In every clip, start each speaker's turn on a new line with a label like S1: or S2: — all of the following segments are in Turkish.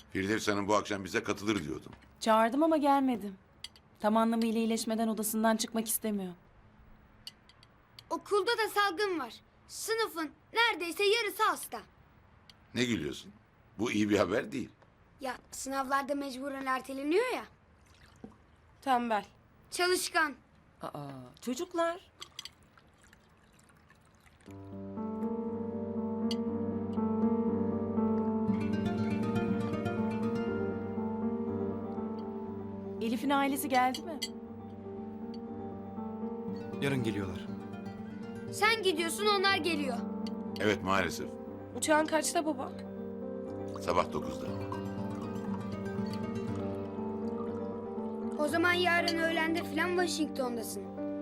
S1: Firdevs Hanım bu akşam bize katılır diyordum.
S2: Çağırdım ama gelmedim. Tam anlamıyla iyileşmeden odasından çıkmak istemiyor.
S3: Okulda da salgın var. Sınıfın neredeyse yarısı hasta.
S1: Ne gülüyorsun? Bu iyi bir haber değil.
S3: Ya sınavlarda mecburen erteleniyor ya.
S4: Tembel.
S3: Çalışkan.
S5: Aa, çocuklar.
S2: Elif'in ailesi geldi mi?
S6: Yarın geliyorlar.
S3: Sen gidiyorsun onlar geliyor.
S1: Evet maalesef.
S4: Uçağın kaçta baba?
S1: Sabah 9'da.
S3: O zaman yarın öğlende falan Washington'dasın.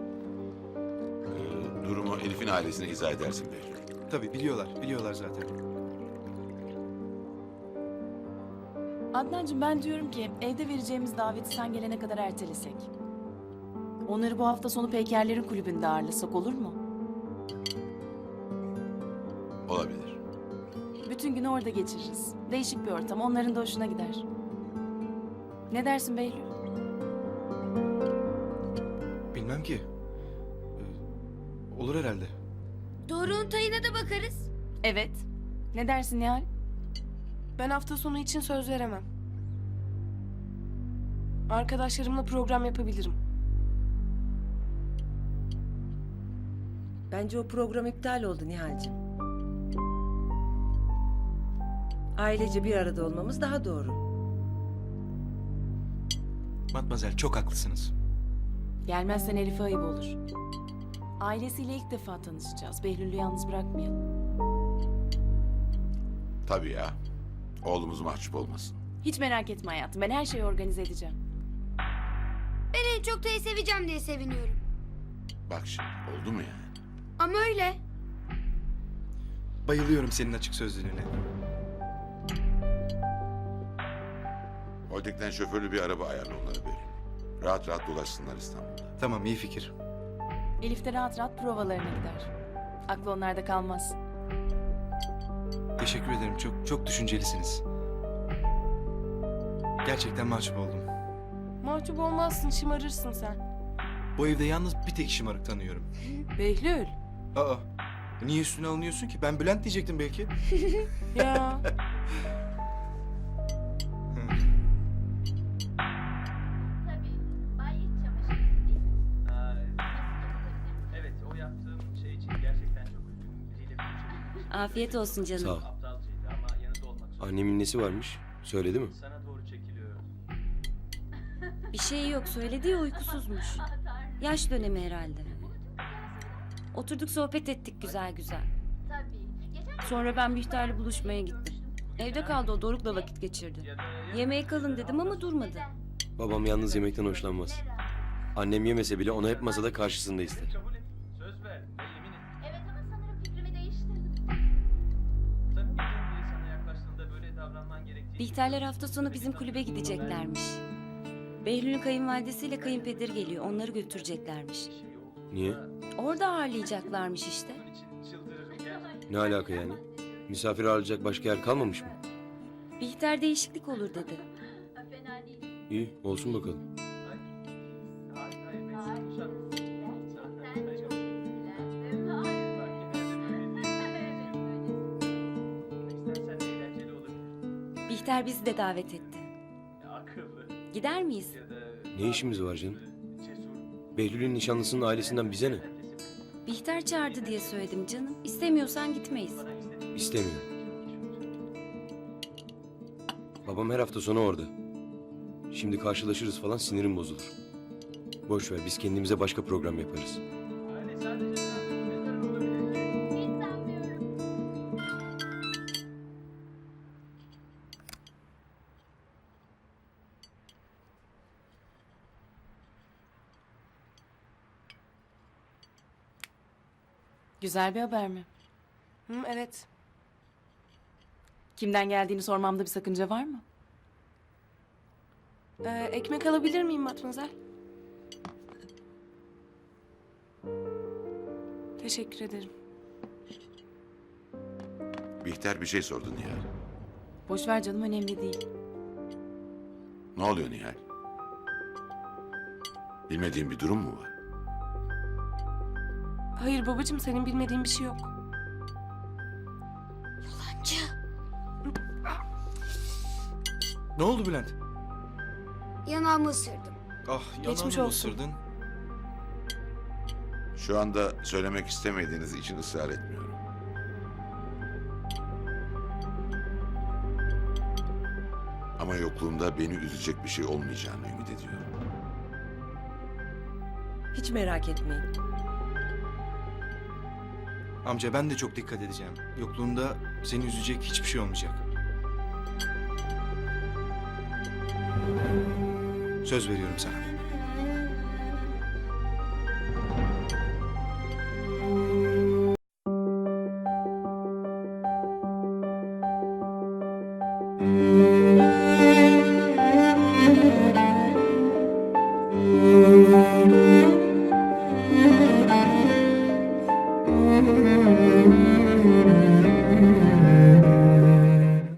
S1: Durumu Elif'in ailesine izah edersin Behlül.
S6: Tabii biliyorlar zaten.
S2: Adnancığım ben diyorum ki evde vereceğimiz daveti sen gelene kadar ertelesek. Onları bu hafta sonu Peykerlerin kulübünde ağırlasak olur mu?
S1: Olabilir.
S2: Bütün günü orada geçiririz. Değişik bir ortam, onların da hoşuna gider. Ne dersin Behlül?
S6: Bilmem ki. Olur herhalde.
S3: Doruk'un tayına da bakarız.
S2: Evet. Ne dersin Nihal?
S4: Ben hafta sonu için söz veremem. Arkadaşlarımla program yapabilirim.
S5: Bence o program iptal oldu Nihal'cığım. Ailece bir arada olmamız daha doğru.
S6: Matmazel çok haklısınız.
S2: Gelmezsen Elif'e ayıp olur. Ailesiyle ilk defa tanışacağız. Behlül'ü yalnız bırakmayalım.
S1: Tabii ya. Oğlumuz mahcup olmasın.
S2: Hiç merak etme hayatım. Ben her şeyi organize edeceğim.
S3: Ben en çok Tay'ı seveceğim diye seviniyorum.
S1: Bak şimdi oldu mu yani?
S3: Ama öyle.
S6: Bayılıyorum senin açık sözlülüğüne.
S1: Holding'den şoförlü bir araba ayarla onlara Behlül. Rahat rahat dolaşsınlar İstanbul'da.
S6: Tamam iyi fikir.
S2: Elif de rahat rahat provalarına gider. Aklı onlarda kalmaz.
S6: Teşekkür ederim. Çok düşüncelisiniz. Gerçekten mahcup oldum.
S4: Mahcup olmazsın, şımarırsın sen.
S6: Bu evde yalnız bir tek şımarık tanıyorum.
S4: Behlül.
S6: Aa, niye üstüne alınıyorsun ki? Ben Bülent diyecektim belki.
S4: Ya.
S7: Tabii. Bay iç çamaşırı değil mi?
S8: Evet, o yaptığım şey için gerçekten çok üzgünüm. Biriyle konuşabilirim.
S9: Afiyet olsun canım.
S10: Sağ ol.
S8: Aptalcaydı ama yanında olmak zorunda.
S10: Annemin nesi varmış? Söyledi mi?
S8: Sana doğru çekiliyor.
S9: Bir şey yok söyledi ya uykusuzmuş. Yaş dönemi herhalde. Oturduk sohbet ettik güzel güzel.
S7: Tabii. Geçen
S9: Sonra ben Bihter'le buluşmaya gittim. Evde kaldı o Doruk'la vakit geçirdi. Yemeğe kalın dedim ama durmadı.
S10: Babam yalnız yemekten hoşlanmaz. Annem yemese bile onu hep masada karşısında ister.
S8: Kabul et. Söz ver ve yemin et.
S7: evet ama sanırım fikrimi değiştirdim.
S8: Tanımadığın biri sana yaklaştığında böyle davranman gerektiğini...
S9: Bihterler hafta sonu bizim kulübe gideceklermiş. Behlül'ün kayınvalidesiyle kayınpederi geliyor. Onları götüreceklermiş.
S10: Niye?
S9: Orada ağırlayacaklarmış işte.
S8: Bunun için çıldırırım gerçekten.
S10: Ne alaka yani? Misafir ağırlayacak başka yer kalmamış mı?
S9: Bihter değişiklik olur dedi.
S7: Fena değil.
S10: İyi, olsun bakalım.
S8: Hayır, hayır, ben seni kuşatmıyorum.
S7: Gerçekten çok etkilendim. Hayır.
S8: Bak, genelde böylesin.
S7: Evet,
S8: İstersen eğlenceli olabilir.
S9: Bihter bizi de davet etti.
S8: Akıllı
S9: Gider miyiz?
S8: ya da...
S10: Ne işimiz var canım?
S8: Cesur.
S10: Behlül'ün nişanlısının ailesinden bize ne?
S9: Bihter çağırdı diye söyledim canım. İstemiyorsan gitmeyiz.
S10: İstemiyor. Babam her hafta sonu orada. Şimdi karşılaşırız falan sinirim bozulur. Boş ver biz kendimize başka program yaparız.
S8: Hani sadece mezar olabilir.
S7: hiç sanmıyorum.
S2: Güzel bir haber mi?
S4: Hı, evet.
S2: Kimden geldiğini sormamda bir sakınca var mı?
S4: Ekmek alabilir miyim Matmazel? Teşekkür ederim.
S1: Bihter bir şey sordu Nihal.
S2: Boş ver canım önemli değil.
S1: Ne oluyor Nihal? Bilmediğin bir durum mu var?
S4: Hayır babacığım, senin bilmediğin bir şey yok.
S6: Ne oldu Bülent?
S3: Yanağımı ısırdım.
S6: Ah
S4: Geçmiş
S6: yanağını
S4: olsun.
S6: ısırdın.
S1: Şu anda söylemek istemediğiniz için ısrar etmiyorum. Ama yokluğumda beni üzecek bir şey olmayacağını ümit ediyorum.
S5: Hiç merak etmeyin.
S6: Amca ben de çok dikkat edeceğim. Yokluğunda seni üzecek hiçbir şey olmayacak. Söz veriyorum sana.